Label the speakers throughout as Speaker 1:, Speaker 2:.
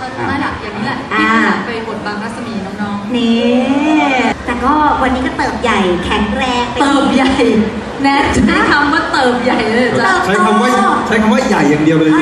Speaker 1: นั่นแหละอย่างนี้แหละที่ไปบทบางรัศมีน้องๆ
Speaker 2: นี่แต่ก็วันนี้ก็เติบใหญ่แข็งแรง
Speaker 1: เติบใหญ่แน่ใช้คำว่าเติบใหญ่เลยจ้ะ
Speaker 3: ใช้คำว่าใหญ่อย่างเดียวเลย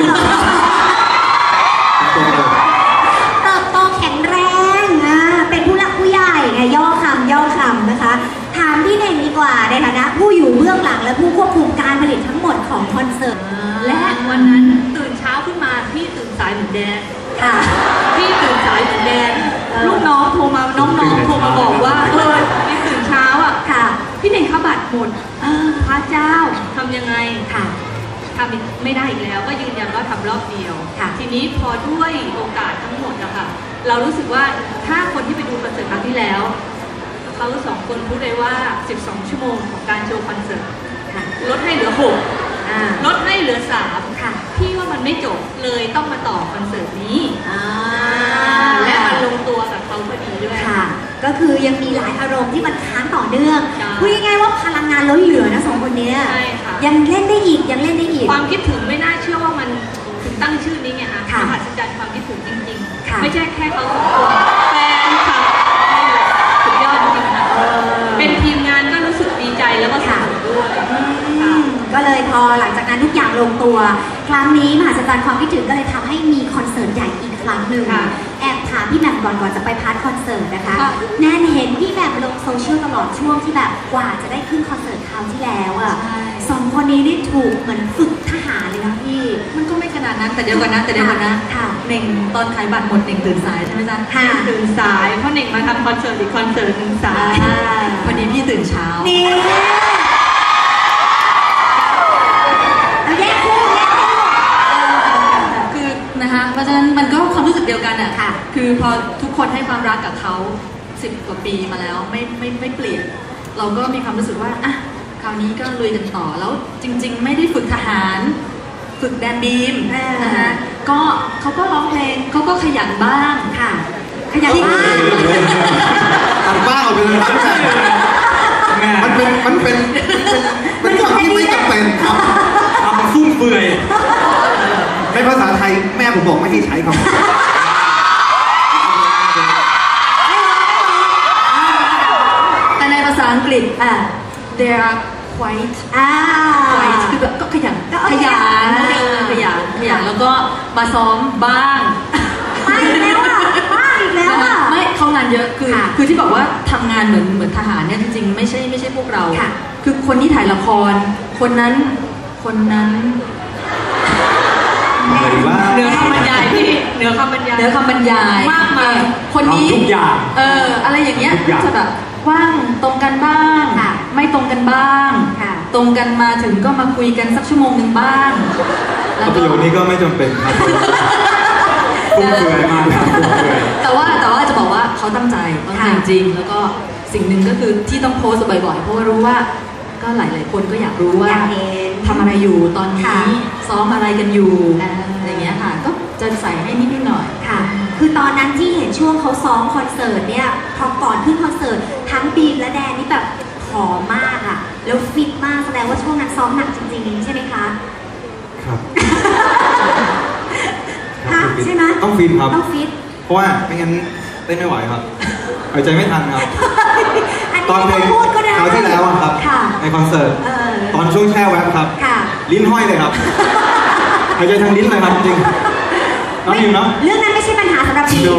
Speaker 2: เติบโตแข็งแรงเป็นผู้หลักผู้ใหญ่ไงย่อคำนะคะถามพี่เน่งดีกว่าในฐานะผู้อยู่เบื้องหลังและผู้ควบคุมการผลิตทั้งหมดของคอนเสิร์ต
Speaker 1: และวันนั้นตื่นเช้าขึ้นมาพี่ตื่นสายเหมือนแดน
Speaker 2: ค่ะ
Speaker 1: พี่ตื่นสายเหมือนแดนลูกน้องโทรมาน้องๆโทรมาบอกว่าพี่ตื่นเช้าอ่ะ
Speaker 2: ค่ะ
Speaker 1: พี่เน่งเขาบัตรหมดพระเจ้าทำยังไง
Speaker 2: ค่ะ
Speaker 1: ทำไม่ได้อีกแล้วก็ยืนยันว่าทำรอบเดียวทีนี้พอด้วยโอกาสทั้งหมดนะคะเรารู้สึกว่าถ้าคนที่ไปดูคอนเสิร์ตครั้งที่แล้วเขา2 คนพูดเลยว่า12 ชั่วโมงของการโชว์คอนเสิร์ตลดให้เหลือ6ลดให้เหลือ3
Speaker 2: ค่ะ
Speaker 1: พี่ว่ามันไม่จบเลยต้องมาต่อคอนเสิร์ตนี้และมันลงตัวกับเขาพอดีด้วย
Speaker 2: ค่ะก็คือยังมีหลายอารมณ์ที่มันค้างต่อเนื่องพูดง่ายๆว่าพลังงานล้นเหลือนะ2 คนนี้ยังเล่นได้อีก
Speaker 1: ความคิดถึงไม่น่าเชื่อว่ามันถึงตั้งชื่อนี้ไงคะมหัศจรรย์ความคิดถึงจริงๆไม่ใช่แค่เขา2 คนแฟนคลับสุดยอดจริงๆค่ะเป็นทีมงานก็รู้สึกดีใจแล้วก็สนุกด้วย
Speaker 2: ก็เลยพอหลังจากนั้นทุกอย่างลงตัวครั้งนี้มหัศจรรย์ความคิดถึงก็เลยทำให้มีคอนเสิร์ตใหญ่อีกครั้งหนึ่งแอบถามพี่แหม่มก่อนจะไปพาร์ทคอนเสิร์ตนะคะแน่นเห็นพี่แหม่มลงโซเชียลตลอดช่วงที่แบบกว่าจะได้ขึ้นคอนเสิร์ตคราวที่แล้วอ่ะ2 คนนี้นี่ถูกเหมือนฝึกทหารเลยนะพี่
Speaker 1: มันก็ไม่ขนาดนั้นแต่เดี๋ยวก่อนนะเน่งตอนขายบัตรหมดเน่งตื่นสายใช่ไหมจ๊ะตื่นสายเพราะเน่งมาทำคอนเสิร์ตอีกคอนเสิร์ตนึงสายพอดีพี่ตื่นเช้า
Speaker 2: นี่
Speaker 1: เพราะฉะนั้นมันก็ความรู้สึกเดียวกันอ่ะคือพอทุกคนให้ความรักกับเขา10 กว่าปีมาแล้วไม่เปลี่ยนเราก็มีความรู้สึกว่าอ่ะคราวนี้ก็ลุยกันต่อแล้วจริงๆไม่ได้ฝึกทหารฝึกแดนบีมนะคะก็เขาก็ร้องเพลงเขาก็ขยันบ้าง
Speaker 2: ค่ะขยันบ้าง
Speaker 3: ทำบ้างเอาไปเลยมันเป็นคำที่ไม่จำเป็นครับทำฟุ่มเฟือยในภาษาไทยแม่ผมบอกไม่ให้ใช้คำ
Speaker 1: แต่ในภาษาอังกฤษthey are quite คือแบบก็ขยันแล้วก็มาซ้อมบ้าง
Speaker 2: ไม่แล้ว
Speaker 1: ไม่เข้างานเยอะคือที่บอกว่าทำงานเหมือนทหารเนี่ยจริงๆไม่ใช่พวกเราคือคนที่ถ่ายละครคนนั้นเหนือคำบรรยายพี่เหนือคำบรรยายมากมายคนนี้
Speaker 3: ทุกอย่าง
Speaker 1: อะไรอย่างเงี้ยจะแบบว่างตรงกันบ้างไม่ตรงกันบ้างตรงกันมาถึงก็มาคุยกันสักชั่วโมงนึงบ้าง
Speaker 3: แล้วประโยคนี้ก็ไม่จำเป็นครับฟุ่มเฟือยมากครับ
Speaker 1: แต่ว่าจะบอกว่าเขาตั้งใจจริงแล้วก็สิ่งหนึ่งก็คือที่ต้องโพสต์บ่อยๆเพราะว่ารู้ว่าก็หลายๆคนก็อยากรู้ว่าทำอะไรอยู่ตอนนี้ซ้อมอะไรกันอยู่อะไรเงี้ยค่ะก็จะใส่ให้นิดหน่อย
Speaker 2: ค่ะคือตอนนั้นที่เห็นช่วงเขาซ้อมคอนเสิร์ตเนี่ยพอก่อนขึ้นคอนเสิร์ตทั้งบีมและแดนนี่แบบผอมมากอ่ะแล้วฟิตมากแสดงว่าช่วงนั้นซ้อมหนักจริงๆใช่ไหมคะ
Speaker 3: ครับ
Speaker 2: ใช่ไหม
Speaker 3: ต้องฟิตครับ
Speaker 2: ต้องฟิต
Speaker 3: เพราะว่าไม่งั้นเต้นไม่ไหวครับหายใจไม่ทันครับ
Speaker 2: ตอนเพลง
Speaker 3: คราวที่แล้วครับในคอนเสิร์ตตอนช่วงแช่แว็บครับลิ้นห้อยเลยครับหายใจทางลิ้นเลยครับจริงน้องอยู่เนาะ
Speaker 2: เรื่องนั้นไม่ใช่ปัญหาสำหรับพี่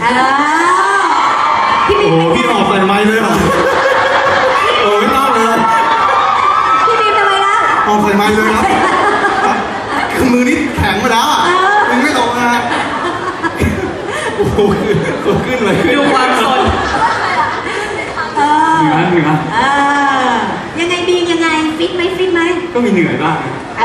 Speaker 3: พี่ออกใส่ไม้เลยเหรอไม่ต้องเลย
Speaker 2: พี่บีมทำไมล่ะ
Speaker 3: ออกใส่ไม้เลยครับคือมือนี่แข็งมาแล้วมันไม่ออกนะโอ้โหขึ้นเลย
Speaker 1: ดูความสน
Speaker 3: เหนื่อย
Speaker 2: ยังไงบีมยังไงฟิตไหม
Speaker 3: ก็มีเหนื่อยบ้าง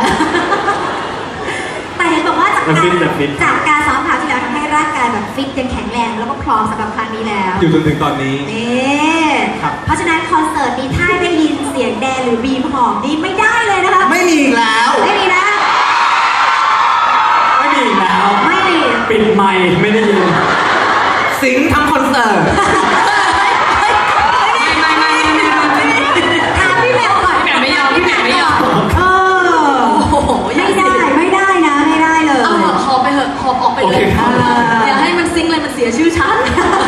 Speaker 2: แต่เห็นบอกว่าจากการซ้อมคราวที่แล้วทำให้ร่างกายแบบฟิตยังแข็งแรงแล้วก็พร้อมสำหรับครั้งนี้แล้ว
Speaker 3: อยู่จนถึงตอนนี้
Speaker 2: เพราะฉะนั้นคอนเสิร์ตนี้ถ้าได้ยินเสียงแดนหรือบีมหอมนี่ไม่ได้เลยนะคะ
Speaker 3: ไม่มีแล้ว
Speaker 2: ไม่มีแล้ว
Speaker 3: ปิดไมค์ไม่ได้ยินสิงทำคอนเสิร์ต
Speaker 2: ถามพี่แหม่มก่อน
Speaker 1: พี่แหม่มไม่ยอมไม่ได้
Speaker 2: นะไม่ได้เลย
Speaker 1: หอบไปเหอะหอบออกไปเลยอย่าให้มันสียชื่อฉัน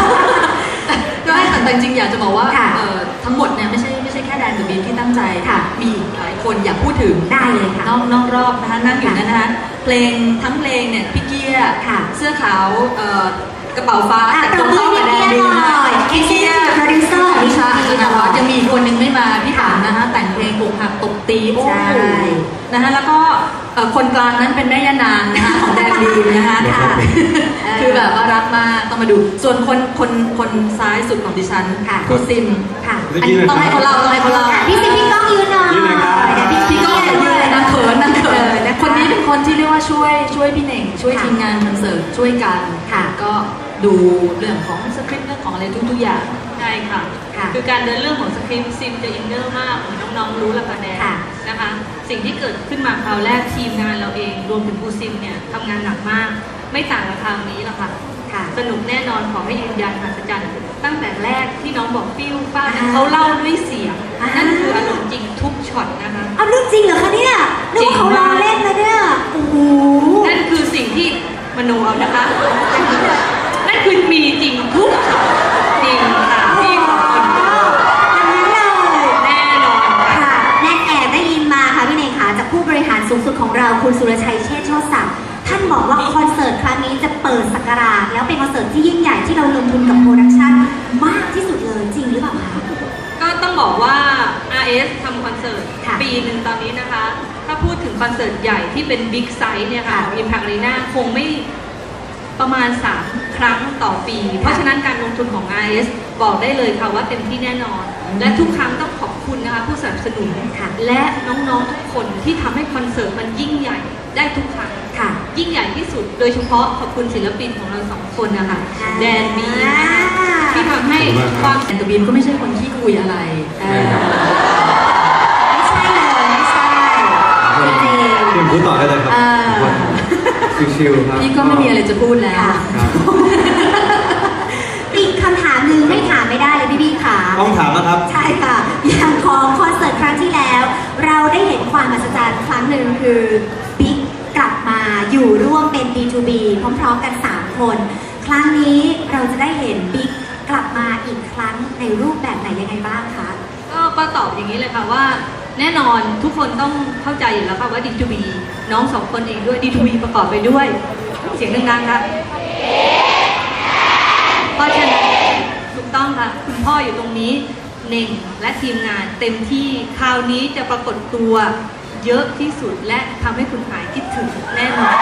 Speaker 1: แต่จริงๆอยากจะบอกว่า
Speaker 2: ค่ะ
Speaker 1: ทั้งหมดเนี่ยไม่ใช่แค่แดนกับบีที่ตั้งใจ
Speaker 2: ค่ะ
Speaker 1: มีอีกหลายคนอยากพูดถึง
Speaker 2: ได้เลยค่ะ
Speaker 1: นอกรอบนะคะนั่งอยู่นั่นนะคะเพลงทั้งเพลงเนี่ยพี่เกียร์
Speaker 2: ค่ะ
Speaker 1: เสื้อขาวกระเป๋าฟ้า
Speaker 2: อ่ะ
Speaker 1: แต่ตรงเข้ากับแดนบีนะ
Speaker 2: ปรบมือให้พี่เกียร์หน่อย Producer
Speaker 1: นิชาอินทวัฒน์ยังมีอีกคนนึงไม่มาพี่ถามนะคะแต่งเพลงปลูกหักตบตีโอ้
Speaker 2: ใช่
Speaker 1: โหนะคะแล้วก็คนกลางนั้นเป็นแม่ย่านางนะคะของแดนบีนะคะ
Speaker 2: ค่ะ
Speaker 1: คือแบบว่ารักมากต้องมาดูส่วนคนซ้ายสุดของดิฉัน
Speaker 2: ค่ะ
Speaker 1: คุณซิม
Speaker 2: ค่ะ
Speaker 1: อันนี้ต้องให้เขาเล่า
Speaker 2: พี่ซิมพี่ก้องยืนหน่อย
Speaker 3: ยืนหน่อยครับ
Speaker 2: เดี๋ยว
Speaker 1: พี่ก็อย่ายืนเลยนะเขินนะเขิน
Speaker 2: นะคะ
Speaker 1: คนนี้เป็นคนที่เรียกว่าช่วยพี่เน่งช่วย
Speaker 2: ค่ะ
Speaker 1: ทีมงานคอนเสิร์ตช่วยกัน
Speaker 2: ค่ะ
Speaker 1: ก็ดูเรื่องของสคริปต์เรื่องของอะไรทุกๆอย่าง
Speaker 4: ใช่ค่ะ
Speaker 2: ค่ะ
Speaker 4: คือการเดินเรื่องของสคริปต์ซิมจะอินเนอร์มากเหมือนน้องๆรู้ละคะแนน
Speaker 2: ค่ะ
Speaker 4: นะคะ สิ่งที่เกิดขึ้นมาคราวแรกทีมงานเราเองรวมถึงครูซิมเนี่ยทำงานหนักมาก ไม่ต่างกับคราวนี้หรอกค่ะ
Speaker 2: ค่ะ
Speaker 4: สนุกแน่นอนขอให้ยืนยันมหัศจรรย์ตั้งแต่แรกที่น้องบอกฟิวป้า
Speaker 2: อ่า
Speaker 4: เขาเล่าด้วยเสียง
Speaker 2: อ่านั่
Speaker 4: นั่นคืออารมณ์จริงทุกช็อตนะคะ
Speaker 2: เอาเรื่องจริงเหรอคะเนี่ยนึกว่าเขาล้อเล่นนะเนี่ยโอ้โห
Speaker 4: นั่นคือสิ่งที่มโนเอานะคะ นั่นคือมีจริงทุกช็อตจริงค่ะที่ขอบคุณ
Speaker 2: อันนั้นเลย
Speaker 4: แน่นอนค่ะ
Speaker 2: ค่ะแนนแอบได้ยินมาค่ะพี่เนยค่ะจากผู้บริหารสูงสุดของเราคุณสุรชัยเชษฐ์โชติศักดิ์ท่านบอกว่าคอนเสิร์ตครั้งนี้จะเปิดศักราชแล้วเป็นคอนเสิร์ตที่ยิ่งใหญ่ที่เราลงทุนกับโปรดักชั่นมากที่สุดเลยจริงหรือเปล่าคะ
Speaker 4: ก็ต้องบอกว่า RS ทำคอนเสิร์ต
Speaker 2: ค่ะ
Speaker 4: ปีหนึ่งตอนนี้นะคะ ถ้าพูดถึงคอนเสิร์ตใหญ่ที่เป็นบิ๊กไซส์เนี่ยค่ะ
Speaker 2: ค่ะ
Speaker 4: ของ Impact Arena คงไม่ประมาณ 3 ครั้งต่อปี เพราะฉะนั้นการลงทุนของ RS บอกได้เลยค่ะว่าเต็มที่แน่นอน และทุกครั้งต้องขอบคุณนะคะผู้สนับสนุน
Speaker 2: ค่ะ
Speaker 4: และน้องๆทุกคนที่ทำให้คอนเสิร์ตมันยิ่งใหญ่ได้ทุกครั้ง
Speaker 2: ค่ะ
Speaker 4: ยิ่งใหญ่ที่สุด โดยเฉพาะขอบคุณศิลปินของเราสองคนนะคะ
Speaker 2: ค่ะ
Speaker 4: แดนบีนะคะที่ทำให้ความ
Speaker 1: แต่กับบีมก็ไม่ใช่คนที่คุยอะไร
Speaker 2: ไม่ใช่เลยไม่ใช่จริง
Speaker 3: คุณพูดต่อได้เลยครับ
Speaker 2: เออ
Speaker 3: ชิวๆครับ
Speaker 1: พี่ก็ไม่มีอะไรจะพูดแล้ว
Speaker 2: ค่ะ
Speaker 3: ครับ
Speaker 2: อีกคำถามหนึ่งไม่ถามไม่ได้เลยพี่บี้ค่ะ
Speaker 3: ต้องถามนะครับ
Speaker 2: ใช่ค่ะ อย่างของคอนเสิร์ตครั้งที่แล้ว เราได้เห็นความมหัศจรรย์ครั้งหนึ่งคือบิ๊กกลับมาอยู่ร่วมเป็น B2B พร้อมๆกัน 3 คน ครั้งนี้เราจะได้เห็นบิ๊กกลับมาอีกครั้งในรูปแบบไหนยังไงบ้างคะ
Speaker 4: ก็ตอบอย่างนี้เลยค่ะว่า แน่นอนทุกคนต้องเข้าใจอยู่แล้วค่ะว่า D2B น้องสองคนเองด้วย D2B ประกอบไปด้วย เสียงดังๆค่ะเพราะฉะนั้นถูกต้องค่ะ คุณพ่ออยู่ตรงนี้เน่งและทีมงานเต็มที่คราวนี้จะปรากฏตัวเยอะที่สุดและทำให้คุณหายคิดถึงแน่นอน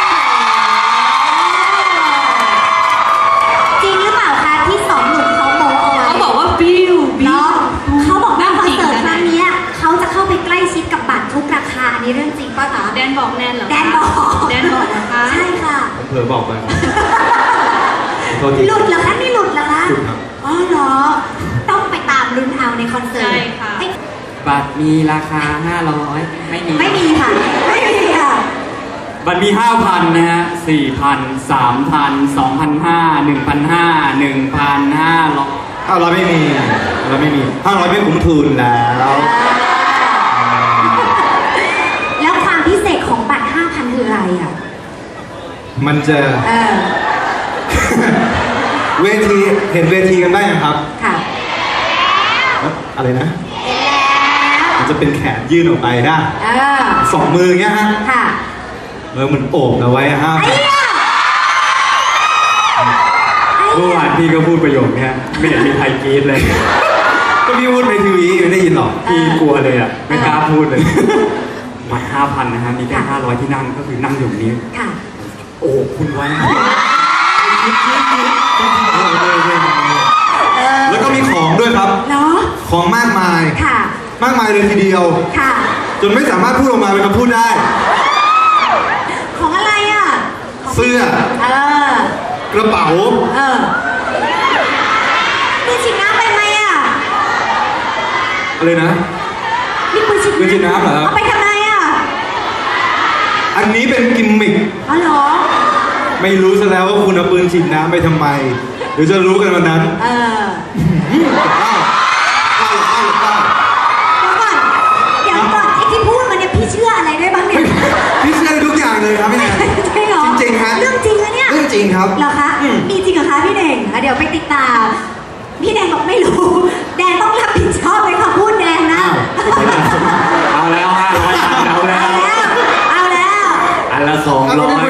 Speaker 2: จริงหรือเปล่าคะที่สองหนุ่มเขาโมเอาไว้
Speaker 4: เขาบอกว่าบิว
Speaker 2: เนาะเขาบอกว่าคอนเสิร์ตครั้ง
Speaker 4: นี้
Speaker 2: เนี้ยเขาจะเข้าไปใกล้ชิดกับบัตรทุกราคาอันนี้เรื่องจริงป่ะคะ
Speaker 4: แดนบอกแนนเหรอคะ
Speaker 2: แดนบอก
Speaker 4: แดนบอกนะคะ
Speaker 2: ใช่ค่ะ
Speaker 3: ผมเผลอบอกไปครับโทษที
Speaker 2: หลุดเหรอคะนี่หลุดเหรอคะ
Speaker 3: หลุดครับ
Speaker 2: อ๋อเหรอ ต้องไปตามลุ้นเอาในคอนเสิร์ต
Speaker 4: ใช่ค่ะ
Speaker 2: เอ้ย
Speaker 5: บัตรมีราคา 500 ไม่มี
Speaker 2: ไม่มีค่ะ ไม่มีค่ะ
Speaker 5: บัตรมี 5,000 นะฮะ 4,000 3,000 2,500 1,500 1,500
Speaker 3: 500ไม่มี500ไม่มี500ไม่คุ้มทุนแล้ว
Speaker 2: แล้วความพิเศษของบัตร 5,000 คืออะไรอ่ะ
Speaker 3: มันจะ
Speaker 2: เออ
Speaker 3: เวทีเห็นเวทีกันได้ยังครับ
Speaker 2: ค่ะ
Speaker 3: อะไรนะ
Speaker 2: เห็นแล้ว
Speaker 3: มันจะเป็นแขนยื่นออกไปนะ
Speaker 2: เออ
Speaker 3: สองมืออย่างเงี้ยฮะ
Speaker 2: ค่ะ
Speaker 3: แล้วมันโอบเอาไว้ฮะ
Speaker 2: ไอ้เนี่ยไอ้
Speaker 5: เมื่อ
Speaker 2: เนี่
Speaker 5: วาย นพี่ก็พูดประโยคเนี้ยไม่เห็นมีใครกรี๊ดเลย
Speaker 3: ก็พี่พูดในทีวีไม่ได้ยินหรอก
Speaker 5: พี่กลัวเลยอ่ะ ไม่กล้าพูดเลย บัตร 5,000 นะฮะ มีแค่ 500 ที่นั่งก็คือนั่งอยู่นี้
Speaker 2: ค่ะ
Speaker 5: โอ้คุณไว้
Speaker 3: แล้วก็มีของด้วยครับ
Speaker 2: เนาะ
Speaker 3: ของมากมาย
Speaker 2: ค่ะ
Speaker 3: มากมายเลยทีเดียว
Speaker 2: ค่ะ
Speaker 3: จนไม่สามารถพูดออกมาเป็นคำพูดได้
Speaker 2: ของอะไรอ่ะ
Speaker 3: เสื้อ
Speaker 2: เออ
Speaker 3: กระเป๋า
Speaker 2: เออปืนฉีดน้ำไปไหมอ่ะ
Speaker 3: อะไรนะ
Speaker 2: มีปืนฉีด
Speaker 3: ปืนฉีดน้ำเหรอครับ
Speaker 2: เอาไปทำไมอ่ะ
Speaker 3: อันนี้เป็นกิมมิค
Speaker 2: อ๋อเหรอ
Speaker 3: ไม่รู้ซะแล้วว่าคุณเอาปืนฉีดน้ำไปทำไมเดี๋ยวจะรู้กันวันนั้น
Speaker 2: เออ เดี๋ยวก่อนไอ้ที่พูดมาเนี่ยพี่เชื่ออะไรได้บ้างเนี่ย
Speaker 3: พี่เชื่อทุกอย่างเลยครับพี่แนน
Speaker 2: จริงเหรอ
Speaker 3: จริงๆฮะ
Speaker 2: เรื่องจริงอะเนี่ย
Speaker 3: เรื่องจริงครับ
Speaker 2: เหรอคะ มีจริงเหรอคะพี่เน่งเดี๋ยวไปติดตามพี่แดงบอกไม่รู้แดงต้องรับผิดชอบเลยค่ะพูดแดงนะ
Speaker 5: เอาแล้ว500เอาแล้ว
Speaker 2: เอาแล้ว
Speaker 5: อันละ200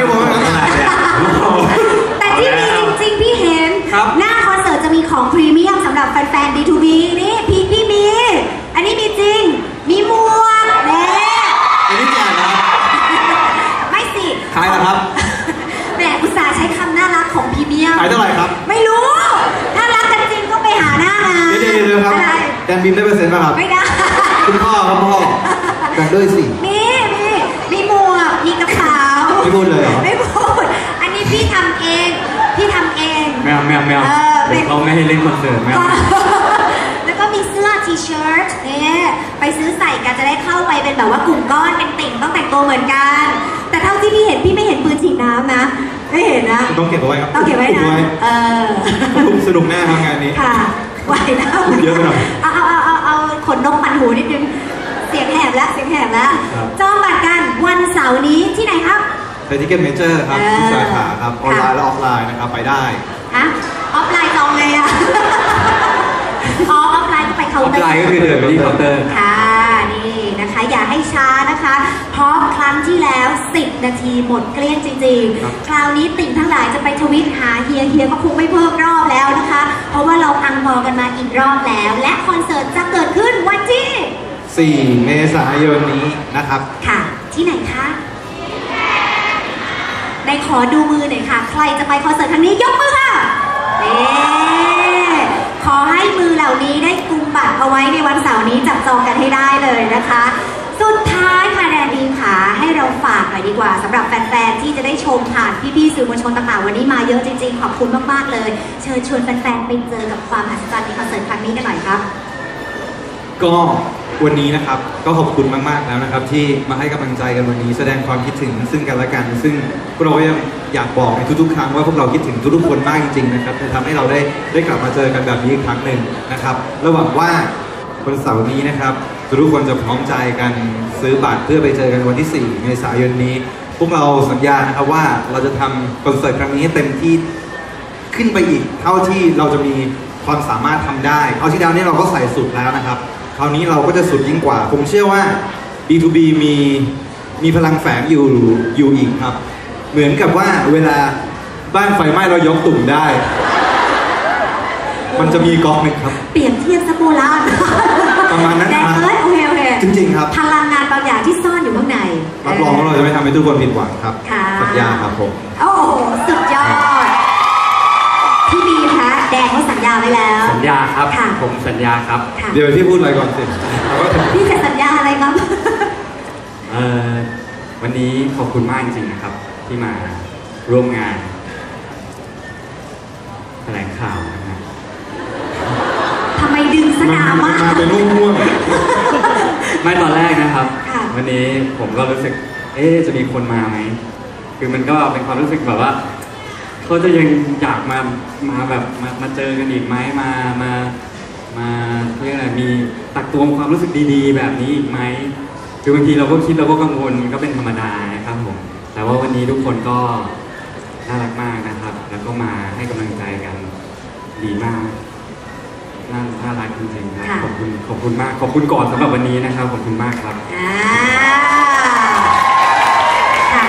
Speaker 2: แต่ที่มีจริงๆพี่เห็น
Speaker 5: ครับ
Speaker 2: หน้าคอนเสิร์ตจะมีของพรีเมียมสำหรับแฟนๆ D2B นี่พี่มี อันนี้มีจริง มีหมวกเน่
Speaker 3: อันนี้แจกนะครับ
Speaker 2: ไม่สิ
Speaker 3: ขายเหรอครับ
Speaker 2: แหมอุตส่าห์ใช้คำน่ารักของพรีเมียม
Speaker 3: ขายเท่าไหร่ครับ
Speaker 2: ไม่รู้ ถ้ารักกันจริงก็ไปหาหน้างาน
Speaker 3: เดี๋ยวครับ
Speaker 2: อะไร
Speaker 3: แดนบิมได้เปอร์เซ็นต์ป่ะครับ
Speaker 2: ไม่ได้
Speaker 3: คุณพ่อครับพ่อแบ่งด้วยสิ
Speaker 2: มีหมวก มีกระเป๋า
Speaker 3: ไม่พูดเลยเหรอ
Speaker 2: ไม่พูด อันนี้พี่ทำเอง
Speaker 5: แมว
Speaker 2: เออเป็น
Speaker 5: เขาไม่ให้เล่นคอนเสิร์ตแมว
Speaker 2: แล้วก็มีเสื้อทีเชิ้ตเนี่ยไปซื้อใส่กันจะได้เข้าไปเป็นแบบว่ากลุ่มก้อนเป็นติ่งต้องแต่งตัวเหมือนกัน แต่เท่าที่พี่เห็นพี่ไม่เห็นปืนฉีดน้ำนะ ไม่เห็นนะ
Speaker 3: ต้องเก็บเอาไว้ครับ
Speaker 2: ต้องเก็บไว้นะ
Speaker 3: สนุกแน่ครับงานนี้
Speaker 2: ค่ะไหวแล้ว
Speaker 3: เยอะไปหน่อย
Speaker 2: เอาขนนกปั่นหูนิดนึง เสียงแหบแล้ว
Speaker 3: ครับ
Speaker 2: จองบัตรกันวันเสาร์นี้ที่ไหนครับ
Speaker 3: ไปที่เก็ตเมเจอร์ครับทุกสาขาครับออนไลน์และออฟไลน์นะครับไปได้
Speaker 2: ฮะออฟไลน์จองเลยอะอ๋อออฟไลน์ก็ไปเคา
Speaker 5: อ
Speaker 2: น์
Speaker 5: อฟ
Speaker 2: เตอร์
Speaker 5: ไลน์ก็คือเดินไปที่เคาน์เตอร์
Speaker 2: ค่ะนี่นะคะอย่าให้ช้านะคะ เพราะครั้งที่แล้ว 10 นาทีหมดเกลี้ยงจริง
Speaker 3: ครับ
Speaker 2: ๆ คราวนี้ติ่งทั้งหลายจะไปทวิตหาเฮียก็คงไม่เพิ่มรอบแล้วนะคะ เพราะว่าเราอังพอกันมาอีกรอบแล้ว และคอนเสิร์ตจะเกิดขึ้นวันที่
Speaker 3: 4 เมษายนนี้นะครับ
Speaker 2: ค่ะ ที่ไหนคะในขอดูมือหน่อยค่ะ ใครจะไปคอนเสิร์ตครั้งนี้ยกมือค่ะขอให้มือเหล่านี้ได้กุมบัตรเอาไว้ในวันเสาร์นี้จับจองกันให้ได้เลยนะคะ สุดท้ายค่ะแดนดีค่ะให้เราฝากหน่อยดีกว่าสำหรับแฟนๆที่จะได้ชมผ่านพี่ๆสื่อมวลชนต่างๆวันนี้มาเยอะจริงๆขอบคุณมากๆเลย เชิญชวนแฟนๆไปเจอกับความอัศจรรย์ในคอนเสิร์ตครั้งนี้กันหน่อยครับ
Speaker 3: ก็วันนี้นะครับก็ขอบคุณมากๆแล้วนะครับ ที่มาให้กำลังใจกันวันนี้แสดงความคิดถึงซึ่งกันและกัน ซึ่งพวกเราก็ยังอยากบอกในทุกๆครั้งว่าพวกเราคิดถึงทุกๆคนมากจริงๆนะครับจะทำให้เราได้กลับมาเจอกันแบบนี้อีกครั้งหนึ่งนะครับระหวังว่าวันเสาร์นี้นะครับทุกคนจะพร้อมใจกันซื้อบัตรเพื่อไปเจอกันวันที่ 4 เมษายนนี้ พวกเราสัญญานะครับว่าเราจะทำคอนเสิร์ตครั้งนี้ให้เต็มที่ขึ้นไปอีกเท่าที่เราจะมีความสามารถทำได้เอาที่ดาวนี้เราก็ใส่สุดแล้วนะครับคราวนี้เราก็จะสุดยิ่งกว่า ผมเชื่อว่า B2B มีพลังแฝงอยู่อีกครับ เหมือนกับว่าเวลาบ้านไฟไหม้เรายกตุ่มได้ มันจะมีก๊อกหนึ่งครับ
Speaker 2: เปรียบเทียบสโบราณ
Speaker 3: ประมาณนั้น
Speaker 2: แด
Speaker 3: นะ
Speaker 2: นโอเค
Speaker 3: จริงๆครับ
Speaker 2: พลังงานบางอย่างที่ซ่อนอยู่ข้างใน
Speaker 3: รับรองว่าเราจะไม่ทำให้ทุกคนผิดหวังครับ
Speaker 2: ค่ะ
Speaker 3: สัญญาครับผม
Speaker 2: โอ้โหสุดยอดพี่บีมคะแดงเขาสัญญาไว้แล้ว
Speaker 5: สัญญาครับ
Speaker 2: ค่ะ
Speaker 5: ผมสัญญาครับ
Speaker 2: ค่ะ
Speaker 3: เดี๋ยวพี่พูดอะไรก่อนสิแล้วก็ถึง
Speaker 2: พี่จะสัญญาอะไรครับ
Speaker 5: วันนี้ขอบคุณมากจริงๆนะครับ ที่มาร่วมงานแถลงข่าวนะฮะ
Speaker 2: ทำไมดึงสนามมาก
Speaker 3: มาเป็นม่วง
Speaker 5: ไม่ตอนแรกนะครับ
Speaker 2: ค่ะ
Speaker 5: วันนี้ผมก็รู้สึก จะมีคนมาไหม คือมันก็เป็นความรู้สึกแบบว่าเขาจะยังอยากมาแบบมาเจอกันอีกไหมมาเรียกอะไรมีตักตวงความรู้สึกดีๆ แบบนี้อีกไหมคือบางทีเราก็คิดเราก็กังวลก็เป็นธรรมดานะครับผมแต่ว่าวันนี้ทุกคนก็น่ารักมากนะครับ แล้วก็มาให้กำลังใจกันดีมากน่ารักจริงๆครับ
Speaker 2: ค่ะ
Speaker 5: ขอบคุณมากขอบคุณก่อนสำหรับวันนี้นะครับขอบคุณมากครับ
Speaker 2: อ่า